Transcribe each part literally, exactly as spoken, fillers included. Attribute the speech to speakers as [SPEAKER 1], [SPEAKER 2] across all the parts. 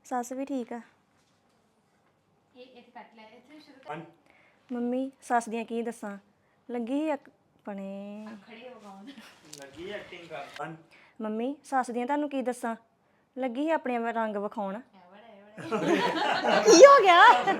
[SPEAKER 1] ਸੱਸ ਵੀ ਠੀਕ ਆ। ਮੰਮੀ ਸੱਸ ਦੀਆਂ ਕੀ ਦੱਸਾਂ ਲੱਗੀ ਸੀ ਆਪਣੇ
[SPEAKER 2] ਲੱਗੀ ਐਕਟਿੰਗ ਕਰ
[SPEAKER 1] ਮੰਮੀ ਸੱਸ ਦੀਆਂ ਤੁਹਾਨੂੰ ਕੀ ਦੱਸਾਂ ਲੱਗੀ ਸੀ ਆਪਣੇ ਰੰਗ ਵਿਖਾਉਣ ਕੀ ਹੋ ਗਿਆ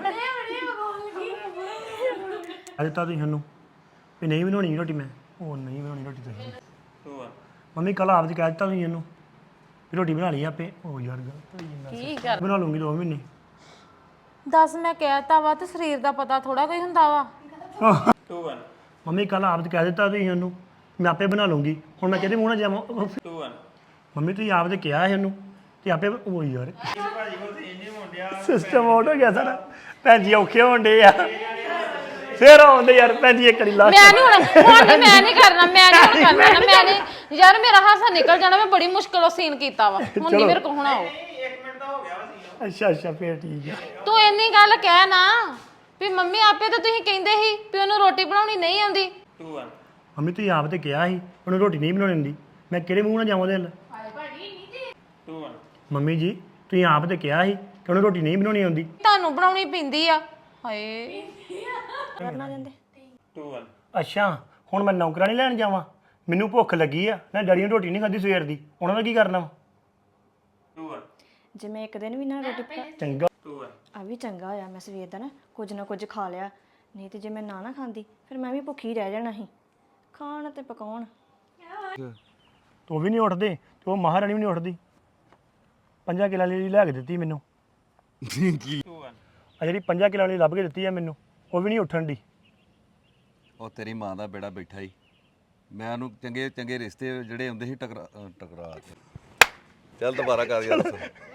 [SPEAKER 3] ਅੱਜ ਤਾਂ ਤੁਸੀਂ ਸਾਨੂੰ ਵੀ ਨਹੀਂ ਬਣਾਉਣੀ ਰੋਟੀ ਮੈਂ ਉਹ ਨਹੀਂ ਬਣਾਉਣੀ ਰੋਟੀ ਤੁਸੀਂ
[SPEAKER 2] ਟੂ ਵਨ
[SPEAKER 3] ਮੰਮੀ ਕੱਲ ਆਪ ਜੀ ਕਹਿ ਦਿੱਤਾ ਤੁਸੀਂ ਇਹਨੂੰ ਵੀ ਰੋਟੀ ਬਣਾ ਲਈ ਆਪੇ ਉਹ ਯਾਰ ਗਲਤ ਹੋਈ ਜਾਂਦਾ
[SPEAKER 4] ਕੀ ਕਰ
[SPEAKER 3] ਬਣਾ ਲੂੰਗੀ ਦੋ ਮਹੀਨੇ
[SPEAKER 4] ਦੱਸ ਮੈਂ ਕਹਿਤਾ ਵਾ ਤੇ ਸਰੀਰ ਦਾ ਪਤਾ ਥੋੜਾ ਕੋਈ ਹੁੰਦਾ ਵਾ
[SPEAKER 2] ਟੂ ਵਨ
[SPEAKER 3] ਮੰਮੀ ਕੱਲ ਆਪ ਜੀ ਕਹਿ ਦਿੱਤਾ ਤੁਸੀਂ ਇਹਨੂੰ ਮੈਂ ਆਪੇ ਬਣਾ ਲੂੰਗੀ ਹੁਣ ਮੈਂ ਕਿਹਦੇ ਮੂੰਹ ਨਾਲ ਜਾਵਾਂ
[SPEAKER 2] ਟੂ ਵਨ
[SPEAKER 3] ਮੰਮੀ ਤੁਸੀਂ ਆਪ ਤੇ ਕਿਹਾ ਇਹਨੂੰ ਤੇ ਆਪੇ ਉਹ ਯਾਰ
[SPEAKER 2] ਭਾਜੀ ਕੋਲ ਤੇ ਇੰਨੇ ਮੁੰਡਿਆ
[SPEAKER 3] ਸਿਸਟਮ ਆਊਟ ਹੋ ਗਿਆ ਸਾਡਾ ਭੈਣ ਜੀ ਔਖੇ ਹੁੰਦੇ ਆ ਫੇਰ ਆਉਂਦੇ ਯਾਰ ਭੈਣ ਜੀ ਇੱਕ ਵਾਰੀ ਲਾਸਟ
[SPEAKER 4] ਮੈਂ ਨਹੀਂ ਹੁਣ ਹੁਣ ਨੀ, ਮੈਂ ਨਹੀਂ ਕਰਨਾ ਮੈਂ ਨਹੀਂ ਹੁਣ ਕਰਨਾ ਮੈਂ ਨਹੀਂ ਯਾਰ ਮੇਰਾ ਹਾਸਾ ਨਿਕਲ ਜਾਣਾ ਮੈਂ ਬੜੀ ਮੁਸ਼ਕਲੋਂ ਸੀਨ ਕੀਤਾ ਵਾ ਹੁਣ ਨਹੀਂ ਮੇਰੇ ਕੋਲ ਹੋਣਾ ਉਹ
[SPEAKER 2] ਇੱਕ ਮਿੰਟ ਦਾ ਹੋ ਗਿਆ ਵਾ ਸੀ
[SPEAKER 3] ਅੱਛਾ ਅੱਛਾ ਫੇਰ ਠੀਕ ਆ
[SPEAKER 4] ਤੂੰ ਇੰਨੀ ਗੱਲ ਕਹਿ ਨਾ ਵੀ ਮੰਮੀ ਆਪੇ ਤਾਂ ਤੁਸੀਂ ਕਹਿੰਦੇ ਸੀ ਵੀ ਉਹਨੂੰ ਰੋਟੀ ਬਣਾਉਣੀ ਨਹੀਂ ਆਉਂਦੀ
[SPEAKER 2] ਟੂ ਵਨ
[SPEAKER 3] ਮੰਮੀ ਤੁਸੀਂ ਆਪ ਤੇ ਕਿਹਾ ਸੀ ਉਹਨੂੰ ਰੋਟੀ ਨਹੀਂ ਬਣਾਉਣੀ ਹੁੰਦੀ ਮੈਂ ਕਿਹੜੇ ਮੂੰਹ ਨਾਲ ਜਾਵਾਂ ਉਹਦੇ ਨਾਲ
[SPEAKER 2] ਟੂ ਵਨ
[SPEAKER 3] ਮੰਮੀ ਜੀ ਤੁਸੀਂ ਆਪ ਤੇ ਕਿਹਾ ਸੀ ਕਿ ਉਹਨੂੰ ਰੋਟੀ ਨਹੀਂ ਬਣਾਉਣੀ ਆਉਂਦੀ
[SPEAKER 4] ਤੁਹਾਨੂੰ ਬਣਾਉਣੀ ਪੈਂਦੀ ਆ ਹਾਏ
[SPEAKER 1] ਕਰਨਾ ਜਾਂਦੇ
[SPEAKER 2] ਟੂ ਵਨ
[SPEAKER 3] ਅੱਛਾ ਹੁਣ ਮੈਂ ਨੌਕਰਾਂ ਨਹੀਂ ਲੈਣ ਜਾਵਾਂ ਮੈਨੂੰ ਭੁੱਖ ਲੱਗੀ ਆ ਨਾ ਡੈਡੀ ਨੇ ਰੋਟੀ ਨਹੀਂ ਖਾਧੀ ਸਵੇਰ ਦੀ ਉਹਨਾਂ ਦਾ ਕੀ ਕਰਨਾ ਵਾ?
[SPEAKER 2] ਟੂ ਵਨ
[SPEAKER 1] ਜੇ ਮੈਂ ਇੱਕ ਦਿਨ ਵੀ ਨਾ ਰੋਟੀ ਪਕਾ
[SPEAKER 3] ਚੰਗਾ
[SPEAKER 2] ਟੂ ਵਨ
[SPEAKER 1] ਆ ਵੀ ਚੰਗਾ ਹੋਇਆ ਮੈਂ ਸਵੇਰ ਦਾ ਨਾ ਕੁਝ ਨਾ ਕੁਝ ਖਾ ਲਿਆ ਨਹੀਂ ਤੇ ਜੇ ਮੈਂ ਨਾ ਨਾ ਖਾਂਦੀ ਫਿਰ ਮੈਂ ਵੀ ਭੁੱਖੀ ਰਹਿ ਜਾਣਾ ਸੀ ਖਾਣ ਤੇ ਪਕਾਉਣ
[SPEAKER 3] ਤੂੰ ਵੀ ਨਹੀਂ ਉੱਠਦੇ ਤੇ ਉਹ ਮਹਾਰਾਣੀ ਵੀ ਨਹੀਂ ਉੱਠਦੀ ਪੰਜਾਂ ਕਿੱਲਾਂ ਲਈ ਲੈ ਕੇ ਦਿੱਤੀ ਮੈਨੂੰ
[SPEAKER 2] ਟੂ ਵਨ
[SPEAKER 3] ਆ ਜਿਹੜੀ ਪੰਜਾਂ ਕਿੱਲਾਂ ਵਾਲੀ ਲੱਭ ਕੇ ਦਿੱਤੀ ਆ ਮੈਨੂੰ ਉਹ ਵੀ ਨਹੀਂ ਉੱਠਣ ਦੀ
[SPEAKER 5] ਉਹ ਤੇਰੀ ਮਾਂ ਦਾ ਬੇੜਾ ਬੈਠਾ ਹੀ ਮੈਂ ਉਹਨੂੰ ਚੰਗੇ ਚੰਗੇ ਰਿਸ਼ਤੇ ਜਿਹੜੇ ਹੁੰਦੇ ਸੀ ਟਕਰਾ ਅਹ ਟਕਰਾ ਕੇ ਚੱਲ ਦੁਬਾਰਾ ਕਰ ਯਾਰ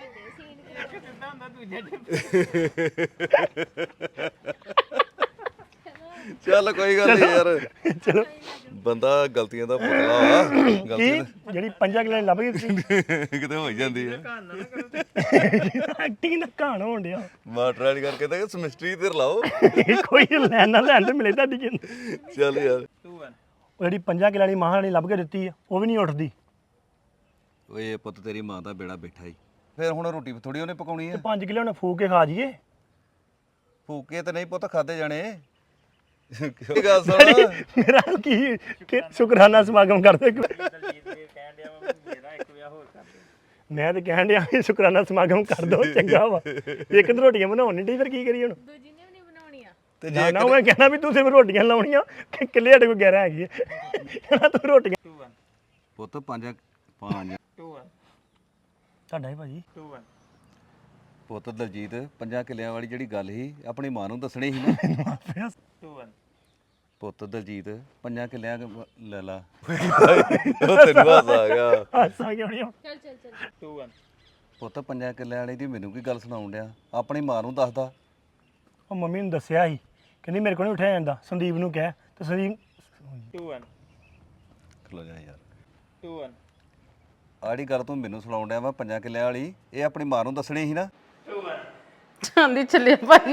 [SPEAKER 5] ਚੱਲ ਕੋਈ ਗੱਲ ਨਹੀਂ ਯਾਰ
[SPEAKER 3] ਚਲੋ
[SPEAKER 5] ਬੰਦਾ ਗਲਤੀਆਂ ਦਾ ਪੁਤਲਾ ਵਾ
[SPEAKER 3] ਕੀ
[SPEAKER 5] ਗਲਤੀ
[SPEAKER 3] ਜਿਹੜੀ ਪੰਜਾਂ ਕਿੱਲਾਂ ਵਾਲੀ ਲੱਭ ਕੇ ਦਿੱਤੀ
[SPEAKER 5] ਕਿਤੇ ਹੋ ਹੀ ਜਾਂਦੀ ਆ
[SPEAKER 3] ਐਕਟਿੰਗ ਦਾ ਕਹਾਣ ਹੋਣ ਡਿਆ
[SPEAKER 5] ਮਾਸਟਰ ਵਾਲੀ ਕਰਕੇ ਤਾਂ ਸਮਿਸਟਰੀ ਤੇ ਰਲਾਓ
[SPEAKER 3] ਕੋਈ ਲੈਣ ਨਾ ਲੈਣ ਤੇ ਮਿਲੇ ਤੁਹਾਡੀ ਜਿੰਦ
[SPEAKER 5] ਚੱਲ ਯਾਰ
[SPEAKER 2] ਟੂ ਵਨ
[SPEAKER 3] ਉਹ ਜਿਹੜੀ ਪੰਜਾਂ ਕਿੱਲਾਂ ਵਾਲੀ ਮਹਾਰਾਣੀ ਲੱਭ ਕੇ ਦਿੱਤੀ ਆ ਉਹ ਵੀ ਨਹੀਂ ਉੱਠਦੀ
[SPEAKER 5] ਓਏ ਪੁੱਤ ਤੇਰੀ ਮਾਂ ਦਾ ਬੇੜਾ ਬੈਠਾ ਹੀ ਫਿਰ ਹੁਣ ਰੋਟੀ ਥੋੜੀ ਉਹਨੇ ਪਕਾਉਣੀ
[SPEAKER 3] ਤੇ
[SPEAKER 5] ਆ
[SPEAKER 3] ਪੰਜ ਕਿੱਲੇ ਉਹਨੇ ਫੂਕ ਕੇ ਖਾ ਜੀਏ
[SPEAKER 5] ਫੂਕੇ ਤੇ ਨਹੀਂ ਪੁੱਤ ਖਾਦੇ ਜਾਣੇ ਕੀ ਗੱਲ ਸੁਣ
[SPEAKER 3] ਮੇਰਾ ਕੀ ਕਿ ਸ਼ੁਕਰਾਨਾ ਸਮਾਗਮ ਕਰਦੇ
[SPEAKER 2] ਦਲਜੀਤ ਦੇ ਕਹਿਣ ਡਿਆ ਵਾ ਮੇਰਾ ਇੱਕ ਵਿਆਹ ਹੋਰ ਕਰ ਦੇ
[SPEAKER 3] ਮੈਂ ਤੇ ਕਹਿਣ ਡਿਆ ਵੀ ਸ਼ੁਕਰਾਨਾ ਸਮਾਗਮ ਕਰ ਦੋ ਚੰਗਾ ਵਾ ਇੱਕ ਦੋ ਰੋਟੀਆਂ ਬਣਾਉਣ ਨਹੀਂ ਢੀ ਫਿਰ ਕੀ ਕਰੀਏ ਹੁਣ
[SPEAKER 5] ਤੇ
[SPEAKER 3] ਨਾ ਨਾ ਮੈਂ ਕਹਿਣਾ ਵੀ ਤੂੰ ਸਿਰਫ ਰੋਟੀਆਂ ਲਾਉਣੀਆਂ ਕਿ ਕਿੱਲੇ ਸਾਡੇ ਕੋਲ ਗਿਆਰਾਂ ਹੈਗੀ ਹੈ ਤੂੰ ਰੋਟੀਆਂ
[SPEAKER 2] ਟੂ ਵਨ
[SPEAKER 5] ਪੁੱਤ ਪੰਜ ਪੰਜ
[SPEAKER 2] ਟੂ ਵਨ
[SPEAKER 3] ਤੁਹਾਡਾ ਹੀ ਭਾਜੀ
[SPEAKER 2] ਟੂ ਵਨ
[SPEAKER 5] ਪੁੱਤ ਦਲਜੀਤ ਪੰਜਾਂ ਕਿੱਲਿਆਂ ਵਾਲੀ ਜਿਹੜੀ ਗੱਲ ਸੀ ਆਪਣੀ ਮਾਂ ਨੂੰ ਦੱਸਣੀ ਸੀ ਨਾ
[SPEAKER 2] ਟੂ ਵਨ
[SPEAKER 5] ਪੁੱਤ ਦਲਜੀਤ ਪੰਜਾਂ ਕਿੱਲਿਆਂ ਕ- ਲੈ ਲਾ ਉਹ ਤੈਨੂੰ ਹਾਸਾ ਆ ਗਿਆ
[SPEAKER 3] ਹਾਸਾ ਕਿਉਂ ਨਹੀਂ
[SPEAKER 2] ਟੂ ਵਨ
[SPEAKER 5] ਪੁੱਤ ਪੰਜਾਂ ਕਿੱਲਿਆਂ ਵਾਲੀ ਦੀ ਮੈਨੂੰ ਕੀ ਗੱਲ ਸੁਣਾਉਣ ਡਿਆ ਆਪਣੀ ਮਾਂ ਨੂੰ ਦੱਸਦਾ
[SPEAKER 3] ਉਹ ਮੰਮੀ ਨੂੰ ਦੱਸਿਆ ਸੀ ਕਹਿੰਦੀ ਮੇਰੇ ਕੋਲ ਨਹੀਂ ਉੱਠਿਆ ਜਾਂਦਾ ਸੰਦੀਪ ਨੂੰ ਕਹਿ ਤੇ ਸੰਦੀਪ
[SPEAKER 2] ਟੂ ਵਨ
[SPEAKER 5] ਖਲੋ ਜਾ ਯਾਰ
[SPEAKER 2] ਟੂ ਵਨ
[SPEAKER 5] ਆੜੀ ਗੱਲ ਤੂੰ ਮੈਨੂੰ ਸੁਣਾਉਣ ਡਿਆ ਵਾ ਪੰਜਾਂ ਕਿੱਲਿਆਂ ਵਾਲੀ ਇਹ ਆਪਣੀ ਮਾਂ ਨੂੰ ਦੱਸਣੀ ਸੀ ਨਾ
[SPEAKER 2] ਟੂ ਵਨ
[SPEAKER 4] ਚਾਂਦੀ ਚੱਲੇ ਭਾਈ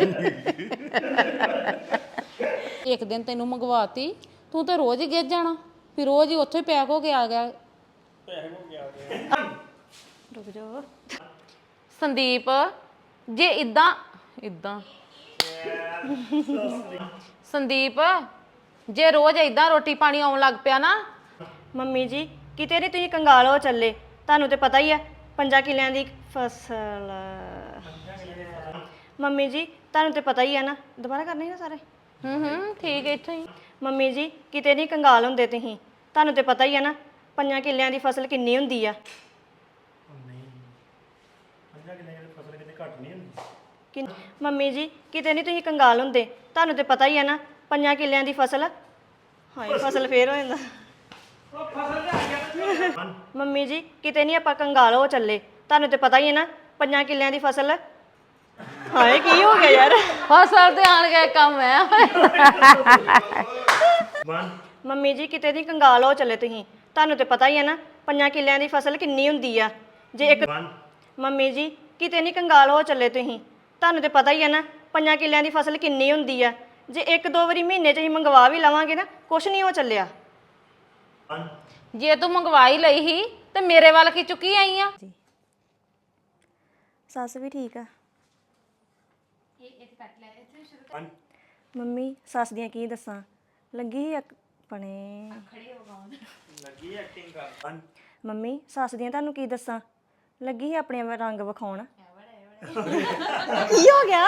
[SPEAKER 4] ਇੱਕ ਦਿਨ ਤੈਨੂੰ ਮੰਗਵਾਤੀ ਤੂੰ ਤਾਂ ਰੋਜ਼ ਹੀ ਗਿੱਜ ਜਾਣਾ ਫਿਰ ਰੋਜ਼ ਹੀ ਉੱਥੇ ਪੈਕ ਹੋ ਕੇ ਆ ਗਿਆ
[SPEAKER 1] ਰੁਕ ਜਾਓ
[SPEAKER 4] ਸੰਦੀਪ ਜੇ ਇਦਾਂ ਇਦਾਂ ਸੰਦੀਪ ਜੇ ਰੋਜ਼ ਇਦਾਂ ਰੋਟੀ ਪਾਣੀ ਆਉਣ ਲੱਗ ਪਿਆ ਨਾ
[SPEAKER 1] ਮੰਮੀ ਜੀ ਕਿਤੇ ਨਹੀਂ ਤੁਸੀਂ ਕੰਗਾਲ ਹੋ ਚੱਲੇ ਤੁਹਾਨੂੰ ਤੇ ਪਤਾ ਹੀ ਆ ਪੰਜਾਂ ਕਿੱਲਿਆਂ ਦੀ ਫਸਲ ਮੰਮੀ ਜੀ ਤੁਹਾਨੂੰ ਤੇ ਪਤਾ ਹੀ ਆ ਨਾ ਦੁਬਾਰਾ ਕਰਨੇ ਨਾ ਸਾਰੇ
[SPEAKER 4] ਹੂੰ ਹੂੰ ਠੀਕ ਹੈ ਇੱਥੇ ਹੀ
[SPEAKER 1] ਮੰਮੀ ਜੀ ਕਿਤੇ ਨਹੀਂ ਕੰਗਾਲ ਹੁੰਦੇ ਤੁਸੀਂ ਤੁਹਾਨੂੰ ਤੇ ਪਤਾ ਹੀ ਆ ਨਾ ਪੰਜਾਂ ਕਿੱਲਿਆਂ ਦੀ ਫਸਲ ਕਿੰਨੀ ਹੁੰਦੀ ਆ
[SPEAKER 3] ਪੰਜਾਂ ਕਿੱਲਿਆਂ ਦੀ ਫਸਲ ਕਿਤੇ ਘੱਟ ਨਹੀਂ ਹੁੰਦੀ
[SPEAKER 1] ਕਿ ਮੰਮੀ ਜੀ ਕਿਤੇ ਨਹੀਂ ਤੁਸੀਂ ਕੰਗਾਲ ਹੁੰਦੇ ਤੁਹਾਨੂੰ ਤੇ ਪਤਾ ਹੀ ਆ ਨਾ ਪੰਜਾਂ ਕਿੱਲਿਆਂ ਦੀ ਫਸਲ ਹਾਏ ਫਸਲ ਫੇਰ ਹੋ ਜਾਂਦਾ ਮੰਮੀ ਜੀ ਕਿਤੇ ਨਹੀਂ ਆਪਾਂ ਕੰਗਾਲ ਹੋ ਚੱਲੇ ਤੁਹਾਨੂੰ ਤੇ ਪਤਾ ਹੀ ਹੈ ਨਾ ਪੰਜਾਂ ਕਿੱਲਿਆਂ ਦੀ ਫਸਲ ਹਾਏ ਕੀ ਹੋ ਗਿਆ ਯਾਰ
[SPEAKER 4] ਫਸਲ ਤੇ ਆਣ ਕੇ ਕੰਮ ਹੈ
[SPEAKER 1] ਮੰਮੀ ਜੀ ਕਿਤੇ ਨਹੀਂ ਕੰਗਾਲ ਹੋ ਚੱਲੇ ਤੁਸੀਂ ਤੁਹਾਨੂੰ ਤੇ ਪਤਾ ਹੀ ਹੈ ਨਾ ਪੰਜਾਂ ਕਿੱਲਿਆਂ ਦੀ ਫਸਲ ਕਿੰਨੀ ਹੁੰਦੀ ਆ ਜੇ ਇੱਕ ਮੰਮੀ ਜੀ ਕਿਤੇ ਨਹੀਂ ਕੰਗਾਲ ਹੋ ਚੱਲੇ ਤੁਸੀਂ ਤੁਹਾਨੂੰ ਤੇ ਪਤਾ ਹੀ ਹੈ ਨਾ ਪੰਜਾਂ ਕਿੱਲਿਆਂ ਦੀ ਫਸਲ ਕਿੰਨੀ ਹੁੰਦੀ ਆ ਜੇ ਇੱਕ ਦੋ ਵਾਰੀ ਮਹੀਨੇ 'ਚ ਅਸੀਂ ਮੰਗਵਾ ਵੀ ਲਵਾਂਗੇ ਨਾ ਕੁਛ ਨਹੀਂ ਹੋ ਚੱਲਿਆ
[SPEAKER 4] ਜੇ ਤੂੰ ਮੰਗਵਾਈ ਲਈ ਹੀ ਤੇ ਮੇਰੇ ਵੱਲ ਕੀ ਚੁੱਕੀ ਆਈ ਆ
[SPEAKER 1] ਸੱਸ ਵੀ ਠੀਕ ਆ ਮੰਮੀ ਸੱਸ ਦੀਆਂ ਕੀ ਦੱਸਾਂ ਲੱਗੀ ਸੀ ਆਪਣੇ
[SPEAKER 2] ਲੱਗੀ ਐਕਟਿੰਗ ਕਰ
[SPEAKER 1] ਮੰਮੀ ਸੱਸ ਦੀਆਂ ਤੁਹਾਨੂੰ ਕੀ ਦੱਸਾਂ ਲੱਗੀ ਸੀ ਆਪਣੇ ਰੰਗ ਵਿਖਾਉਣ ਕੀ ਹੋ ਗਿਆ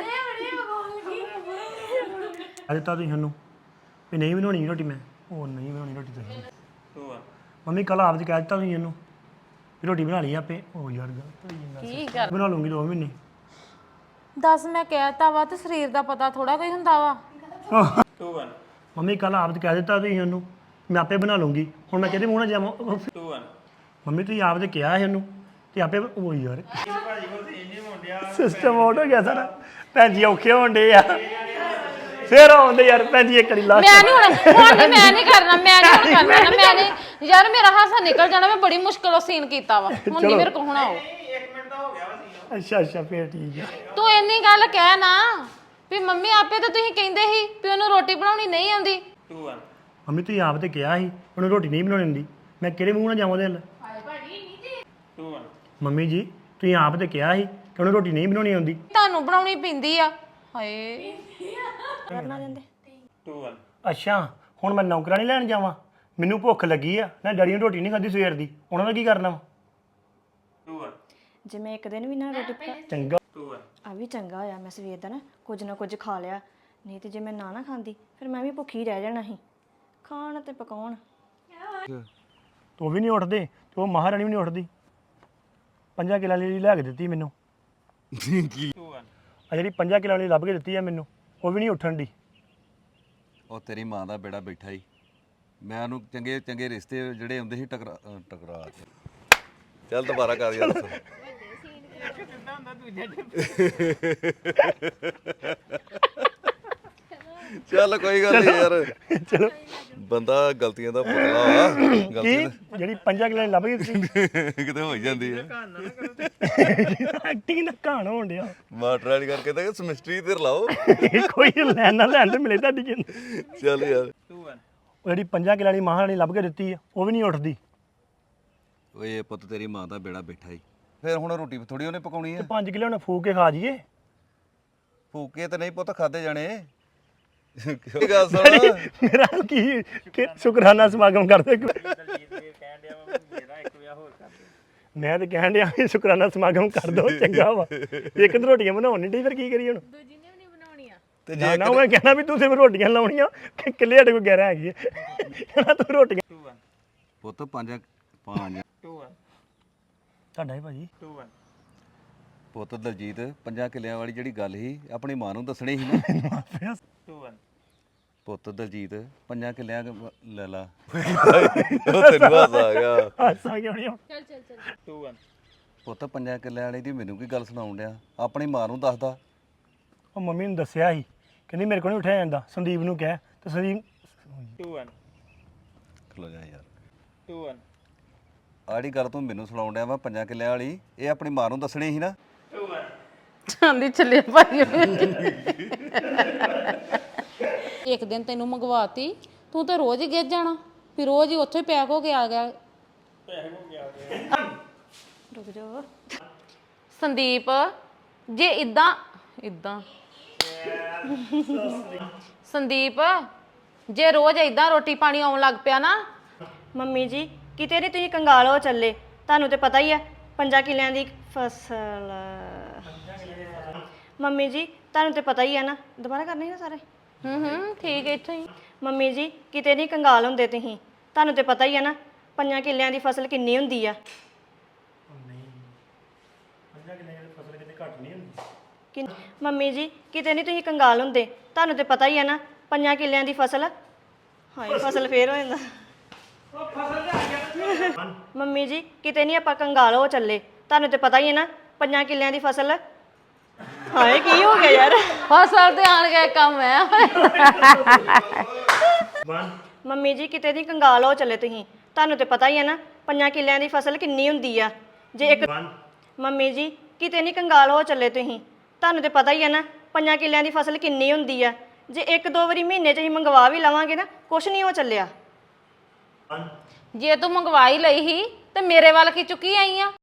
[SPEAKER 3] ਅੱਜ ਤਾਂ ਤੁਸੀਂ ਸਾਨੂੰ ਵੀ ਨਹੀਂ ਬਣਾਉਣੀ ਰੋਟੀ ਮੈਂ ਉਹ ਨਹੀਂ ਬਣਾਉਣੀ ਰੋਟੀ ਤੁਸੀਂ
[SPEAKER 2] ਟੂ ਵਨ
[SPEAKER 3] ਮੰਮੀ ਕੱਲ ਆਪ ਜੀ ਕਹਿ ਦਿੱਤਾ ਤੁਸੀਂ ਇਹਨੂੰ ਵੀ ਰੋਟੀ ਬਣਾ ਲਈ ਆਪੇ ਉਹ ਯਾਰ ਗਲਤ ਹੋਈ ਜਾਂਦਾ।
[SPEAKER 4] ਕੀ ਕਰ
[SPEAKER 3] ਬਣਾ ਲੂੰਗੀ ਦੋ ਮਹੀਨੇ
[SPEAKER 4] ਦੱਸ ਮੈਂ ਕਹਿਤਾ ਵਾ ਤੇ ਸਰੀਰ ਦਾ ਪਤਾ ਥੋੜਾ ਕੋਈ ਹੁੰਦਾ ਵਾ
[SPEAKER 2] ਟੂ ਵਨ
[SPEAKER 3] ਮੰਮੀ ਕੱਲ ਆਪ ਜੀ ਕਹਿ ਦਿੱਤਾ ਤੁਸੀਂ ਉਹਨੂੰ ਮੈਂ ਆਪੇ ਬਣਾ ਲੂੰਗੀ ਹੁਣ ਮੈਂ ਕਿਹਦੇ ਮੂੰਹ ਨਾਲ ਜਾਵਾਂ
[SPEAKER 2] ਟੂ ਵਨ
[SPEAKER 3] ਮੰਮੀ ਤੁਸੀਂ ਆਪ ਤੇ ਕਿਹਾ ਸੀ ਉਹਨੂੰ ਤੇ ਆਪੇ ਉਹ ਯਾਰ
[SPEAKER 2] ਭਾਜੀ ਕੋਲ ਤੇ ਇੰਨੇ ਮੁੰਡਿਆ
[SPEAKER 3] ਸਿਸਟਮ ਆਊਟ ਹੋ ਗਿਆ ਸਾਰਾ ਭੈਣ ਜੀ ਔਖੇ ਹੋਣ ਡੇ ਆ ਫੇਰ ਆਉਂਦੇ ਯਾਰ ਭੈਣ ਜੀ ਇੱਕ ਵਾਰੀ ਲਾ
[SPEAKER 4] ਮੈਂ ਨਹੀਂ ਹੁਣ ਹੁਣ ਨੀ, ਮੈਂ ਨਹੀਂ ਕਰਨਾ ਮੈਂ ਨਹੀਂ ਹੁਣ ਕਰਨਾ ਨਾ ਮੈਂ ਨਹੀਂ ਯਾਰ ਮੇਰਾ ਹਾਸਾ ਨਿਕਲ ਜਾਣਾ ਮੈਂ ਬੜੀ ਮੁਸ਼ਕਲੋਂ ਸੀਨ ਕੀਤਾ ਵਾ ਹੁਣ ਨਹੀਂ ਮੇਰੇ ਕੋਲ ਹੁਣ ਆਓ
[SPEAKER 2] ਇੱਕ ਮਿੰਟ ਦਾ ਹੋ ਗਿਆ ਵਾ ਸੀ
[SPEAKER 3] ਅੱਛਾ ਅੱਛਾ ਫੇਰ ਠੀਕ ਹੈ
[SPEAKER 4] ਤੂੰ ਇੰਨੀ ਗੱਲ ਕਹਿ ਨਾ ਵੀ ਮੰਮੀ ਆਪੇ ਤਾਂ ਤੁਸੀਂ ਕਹਿੰਦੇ ਸੀ ਵੀ ਉਹਨੂੰ ਰੋਟੀ ਬਣਾਉਣੀ ਨਹੀਂ ਆਉਂਦੀ
[SPEAKER 2] ਟੂ ਵਨ
[SPEAKER 3] ਮੰਮੀ ਤੁਸੀਂ ਆਪ ਤੇ ਕਿਹਾ ਸੀ ਉਹਨੂੰ ਰੋਟੀ ਨਹੀਂ ਬਣਾਉਣੀ ਹੁੰਦੀ ਮੈਂ ਕਿਹੜੇ ਮੂੰਹ ਨਾਲ ਜਾਵਾਂ ਉਹਦੇ ਨਾਲ
[SPEAKER 2] ਟੂ ਵਨ
[SPEAKER 3] ਮੰਮੀ ਜੀ ਤੁਸੀਂ ਆਪ ਤੇ ਕਿਹਾ ਸੀ ਕਿ ਉਹਨੂੰ ਰੋਟੀ ਨਹੀਂ ਬਣਾਉਣੀ ਆਉਂਦੀ
[SPEAKER 4] ਤੁਹਾਨੂੰ ਬਣਾਉਣੀ ਪੈਂਦੀ ਆ ਹਾਏ
[SPEAKER 1] ਬਣਾ ਦਿੰਦੇ
[SPEAKER 2] ਟੂ ਵਨ
[SPEAKER 3] ਅੱਛਾ ਹੁਣ ਮੈਂ ਨੌਕਰਾਨੀ ਲੈਣ ਜਾਵਾਂ ਮੈਨੂੰ ਭੁੱਖ ਲੱਗੀ ਆ ਨਾ ਡੈਡੀ ਨੇ ਰੋਟੀ ਨਹੀਂ ਖਾਧੀ ਸਵੇਰ ਦੀ ਉਹਨਾਂ ਦਾ ਕੀ ਕਰਨਾ ਵਾ
[SPEAKER 2] ਟੂ ਵਨ
[SPEAKER 1] ਜੇ ਮੈਂ ਇੱਕ ਦਿਨ ਵੀ ਨਾ ਰੋਟੀ ਪਕਾ
[SPEAKER 3] ਚੰਗਾ
[SPEAKER 2] ਟੂ ਵਨ
[SPEAKER 1] ਆ ਵੀ ਚੰਗਾ ਹੋਇਆ ਮੈਂ ਸਵੇਰ ਦਾ ਨਾ ਕੁਝ ਨਾ ਕੁਝ ਖਾ ਲਿਆ ਨਹੀਂ ਤੇ ਜੇ ਮੈਂ ਨਾ ਨਾ ਖਾਂਦੀ ਫਿਰ ਮੈਂ ਵੀ ਭੁੱਖੀ ਰਹਿ ਜਾਣਾ ਸੀ ਖਾਣ ਤੇ ਪਕਾਉਣ
[SPEAKER 3] ਤੂੰ ਵੀ ਨਹੀਂ ਉੱਠਦੇ ਤੇ ਉਹ ਮਹਾਰਾਣੀ ਵੀ ਨਹੀਂ ਉੱਠਦੀ ਪੰਜਾਂ ਕਿੱਲਾਂ ਲਈ ਲੈ ਕੇ ਦਿੱਤੀ ਮੈਨੂੰ
[SPEAKER 2] ਟੂ ਵਨ
[SPEAKER 3] ਆ ਜਿਹੜੀ ਪੰਜਾਂ ਕਿੱਲਾਂ ਲਈ ਲੱਭ ਕੇ ਦਿੱਤੀ ਆ ਮੈਨੂੰ ਉਹ ਵੀ ਨਹੀਂ ਉੱਠਣ ਦੀ
[SPEAKER 5] ਉਹ ਤੇਰੀ ਮਾਂ ਦਾ ਬੇੜਾ ਬੈਠਾ ਹੀ ਮੈਂ ਉਹਨੂੰ ਚੰਗੇ ਚੰਗੇ ਰਿਸ਼ਤੇ ਜਿਹੜੇ ਹੁੰਦੇ ਸੀ ਟਕਰਾ ਅਹ ਟਕਰਾ ਕੇ ਚੱਲ ਦੁਬਾਰਾ ਕਰ ਯਾਰ ਚੱਲ ਕੋਈ ਗੱਲ ਨਹੀਂ ਯਾਰ
[SPEAKER 3] ਚਲੋ
[SPEAKER 5] ਬੰਦਾ ਗਲਤੀਆਂ ਦਾ ਪੁਤਲਾ ਵਾ
[SPEAKER 3] ਕੀ
[SPEAKER 5] ਗਲਤੀ
[SPEAKER 3] ਜਿਹੜੀ ਪੰਜਾਂ ਕਿੱਲਾਂ ਲਈ ਲੱਭ ਕੇ ਦਿੱਤੀ
[SPEAKER 5] ਤਾਂ ਕਿਤੇ ਹੋ ਹੀ ਜਾਂਦੀ ਹੈ
[SPEAKER 3] ਐਕਟਿੰਗ ਦਾ ਕਹਾਣ ਹੋਣ ਡਿਆ
[SPEAKER 5] ਮਾਸਟਰ ਵਾਲੀ ਕਰਕੇ ਤਾਂ ਸਮਿਸਟਰੀ ਤੇ ਰਲਾਓ
[SPEAKER 3] ਕੋਈ ਲੈਣ ਨਾ ਲੈਣ ਤੇ ਮਿਲੇ ਤੁਹਾਡੀ ਜਿੰਦ
[SPEAKER 5] ਚੱਲ ਯਾਰ
[SPEAKER 2] ਟੂ ਵਨ
[SPEAKER 3] ਉਹ ਜਿਹੜੀ ਪੰਜਾਂ ਕਿੱਲਾਂ ਵਾਲੀ ਮਹਾਰਾਣੀ ਲੱਭ ਕੇ ਦਿੱਤੀ ਆ ਉਹ ਵੀ ਨਹੀਂ ਉੱਠਦੀ
[SPEAKER 5] ਓਏ ਪੁੱਤ ਤੇਰੀ ਮਾਂ ਦਾ ਬੇੜਾ ਬੈਠਾ ਹੀ ਫਿਰ ਹੁਣ ਰੋਟੀ ਥੋੜੀ ਉਹਨੇ ਪਕਾਉਣੀ ਆ
[SPEAKER 3] ਪੰਜ ਕਿੱਲੇ ਉਹਨੇ ਫੂਕ ਕੇ ਖਾ ਜੀਏ
[SPEAKER 5] ਫੂਕੇ ਤੇ ਨਹੀਂ ਪੁੱਤ ਖਾਦੇ ਜਾਣੇ ਕੀ ਗੱਲ ਸੁਣ
[SPEAKER 3] ਮੇਰਾ ਕੀ ਕਿ ਸ਼ੁਕਰਾਨਾ ਸਮਾਗਮ ਕਰਦੇ
[SPEAKER 2] ਦਲਜੀਤ ਵੀਰ ਕਹਿਣ ਡਿਆ ਵਾ ਵੀ ਮੇਰਾ ਇੱਕ ਵਿਆਹ ਹੋਰ ਕਰ ਦੇ
[SPEAKER 3] ਮੈਂ ਤੇ ਕਹਿਣ ਡਿਆ ਵੀ ਸ਼ੁਕਰਾਨਾ ਸਮਾਗਮ ਕਰ ਦੋ ਚੰਗਾ ਵਾ ਇੱਕ ਤਾਂ ਰੋਟੀਆਂ ਬਣਾਉਣ ਨਹੀਂ ਡਈ ਫਿਰ ਕੀ ਕਰੀਏ ਹੁਣ
[SPEAKER 5] ਤੇ
[SPEAKER 3] ਨਾ ਨਾ ਮੈਂ ਕਹਿਣਾ ਵੀ ਤੂੰ ਸਿਰਫ ਰੋਟੀਆਂ ਲਾਉਣੀਆਂ ਕਿ ਕਿੱਲੇ ਸਾਡੇ ਕੋਲ ਗੈਰਾ ਹੈਗੀ ਹੈ ਕਹਿਣਾ ਤੂੰ ਰੋਟੀਆਂ
[SPEAKER 2] ਟੂ ਵਨ
[SPEAKER 5] ਪੁੱਤ ਪੰਜ ਪੰਜ
[SPEAKER 2] ਟੂ ਵਨ
[SPEAKER 3] ਤੁਹਾਡਾ ਹੀ ਭਾਜੀ
[SPEAKER 2] ਟੂ ਵਨ
[SPEAKER 5] ਪੁੱਤ ਦਲਜੀਤ ਪੰਜਾਂ ਕਿੱਲਿਆਂ ਵਾਲੀ ਜਿਹੜੀ ਗੱਲ ਸੀ ਆਪਣੀ ਮਾਂ ਨੂੰ ਦੱਸਣੀ ਸੀ ਨਾ
[SPEAKER 2] ਟੂ ਵਨ
[SPEAKER 5] ਪੁੱਤ ਦਲਜੀਤ ਪੰਜਾਂ ਕਿੱਲਿਆਂ ਕੁ ਲੈ ਲਾ ਉਹ ਤੈਨੂੰ ਹਾਸਾ ਆ ਗਿਆ
[SPEAKER 3] ਹਾਸਾ ਕਿਉਂ ਨਹੀਂ
[SPEAKER 2] ਟੂ ਵਨ
[SPEAKER 5] ਪੁੱਤ ਪੰਜਾਂ ਕਿੱਲਿਆਂ ਵਾਲੀ ਦੀ ਮੈਨੂੰ ਕੀ ਗੱਲ ਸੁਣਾਉਣ ਡਿਆ ਆਪਣੀ ਮਾਂ ਨੂੰ ਦੱਸਦਾ
[SPEAKER 3] ਉਹ ਮੰਮੀ ਨੂੰ ਦੱਸਿਆ ਸੀ ਕਹਿੰਦੀ ਮੇਰੇ ਕੋਲ ਨਹੀਂ ਉੱਠਿਆ ਜਾਂਦਾ ਸੰਦੀਪ ਨੂੰ ਕਹਿ ਤੇ ਸੰਦੀਪ
[SPEAKER 2] ਟੂ ਵਨ
[SPEAKER 5] ਖਲੋ ਜਾ ਯਾਰ
[SPEAKER 2] ਟੂ ਵਨ
[SPEAKER 5] ਆੜੀ ਗੱਲ ਤੂੰ ਮੈਨੂੰ ਸੁਣਾਉਣ ਡਿਆ ਵਾ ਪੰਜਾਂ ਕਿੱਲਿਆਂ ਵਾਲੀ ਇਹ ਆਪਣੀ ਮਾਂ ਨੂੰ ਦੱਸਣੀ ਸੀ ਨਾ
[SPEAKER 2] ਟੂ ਵਨ
[SPEAKER 4] ਚਾਂਦੀ ਚੱਲੇ ਭਾਈ ਇੱਕ ਦਿਨ ਤੈਨੂੰ ਮੰਗਵਾਤੀ ਤੂੰ ਤਾਂ ਰੋਜ਼ ਹੀ ਗਿੱਜ ਜਾਣਾ ਫਿਰ ਰੋਜ਼ ਹੀ ਉੱਥੇ ਪੈਕ ਹੋ ਕੇ ਆ ਗਿਆ
[SPEAKER 1] ਰੁਕ ਜਾਓ
[SPEAKER 4] ਸੰਦੀਪ ਜੇ ਇਦਾਂ ਇਦਾਂ ਸੰਦੀਪ ਜੇ ਰੋਜ਼ ਇਦਾਂ ਰੋਟੀ ਪਾਣੀ ਆਉਣ ਲੱਗ ਪਿਆ ਨਾ
[SPEAKER 1] ਮੰਮੀ ਜੀ ਕਿਤੇ ਨਹੀਂ ਤੁਸੀਂ ਕੰਗਾਲ ਹੋ ਚੱਲੇ ਤੁਹਾਨੂੰ ਤੇ ਪਤਾ ਹੀ ਆ ਪੰਜਾਂ ਕਿੱਲਿਆਂ ਦੀ ਫਸਲ ਮੰਮੀ ਜੀ ਤੁਹਾਨੂੰ ਤੇ ਪਤਾ ਹੀ ਆ ਨਾ ਦੁਬਾਰਾ ਕਰਨੇ ਨਾ ਸਾਰੇ
[SPEAKER 4] ਹੂੰ ਹੂੰ ਠੀਕ ਹੈ ਇੱਥੇ ਹੀ
[SPEAKER 1] ਮੰਮੀ ਜੀ ਕਿਤੇ ਨਹੀਂ ਕੰਗਾਲ ਹੁੰਦੇ ਤੁਸੀਂ ਤੁਹਾਨੂੰ ਤੇ ਪਤਾ ਹੀ ਆ ਨਾ ਪੰਜਾਂ ਕਿੱਲਿਆਂ ਦੀ ਫਸਲ ਕਿੰਨੀ ਹੁੰਦੀ ਆ
[SPEAKER 3] ਪੰਜਾਂ ਕਿੱਲਿਆਂ ਦੀ ਫਸਲ ਕਿਤੇ ਘੱਟ ਨਹੀਂ ਹੁੰਦੀ
[SPEAKER 1] ਕਿ ਮੰਮੀ ਜੀ ਕਿਤੇ ਨਹੀਂ ਤੁਸੀਂ ਕੰਗਾਲ ਹੁੰਦੇ ਤੁਹਾਨੂੰ ਤੇ ਪਤਾ ਹੀ ਆ ਨਾ ਪੰਜਾਂ ਕਿੱਲਿਆਂ ਦੀ ਫਸਲ ਹਾਏ ਫਸਲ ਫੇਰ ਹੋ ਜਾਂਦਾ ਮੰਮੀ ਜੀ ਕਿਤੇ ਨਹੀਂ ਆਪਾਂ ਕੰਗਾਲ ਹੋ ਚੱਲੇ ਤੁਹਾਨੂੰ ਤੇ ਪਤਾ ਹੀ ਹੈ ਨਾ ਪੰਜਾਂ ਕਿੱਲਿਆਂ ਦੀ ਫਸਲ ਹਾਏ ਕੀ ਹੋ ਗਿਆ ਯਾਰ
[SPEAKER 4] ਫਸਲ ਤੇ ਆਣ ਕੇ ਕੰਮ ਹੈ
[SPEAKER 1] ਮੰਮੀ ਜੀ ਕਿਤੇ ਨਹੀਂ ਕੰਗਾਲ ਹੋ ਚੱਲੇ ਤੁਸੀਂ ਤੁਹਾਨੂੰ ਤੇ ਪਤਾ ਹੀ ਹੈ ਨਾ ਪੰਜਾਂ ਕਿੱਲਿਆਂ ਦੀ ਫਸਲ ਕਿੰਨੀ ਹੁੰਦੀ ਆ ਜੇ ਇੱਕ ਮੰਮੀ ਜੀ ਕਿਤੇ ਨਹੀਂ ਕੰਗਾਲ ਹੋ ਚੱਲੇ ਤੁਸੀਂ ਤੁਹਾਨੂੰ ਤੇ ਪਤਾ ਹੀ ਹੈ ਨਾ ਪੰਜਾਂ ਕਿੱਲਿਆਂ ਦੀ ਫਸਲ ਕਿੰਨੀ ਹੁੰਦੀ ਆ ਜੇ ਇੱਕ ਦੋ ਵਾਰੀ ਮਹੀਨੇ 'ਚ ਅਸੀਂ ਮੰਗਵਾ ਵੀ ਲਵਾਂਗੇ ਨਾ ਕੁਛ ਨਹੀਂ ਹੋ ਚੱਲਿਆ
[SPEAKER 4] ਜੇ ਤੂੰ ਮੰਗਵਾਈ ਲਈ ਹੀ ਤੇ ਮੇਰੇ ਵੱਲ ਕੀ ਚੁੱਕੀ ਆਈ ਆ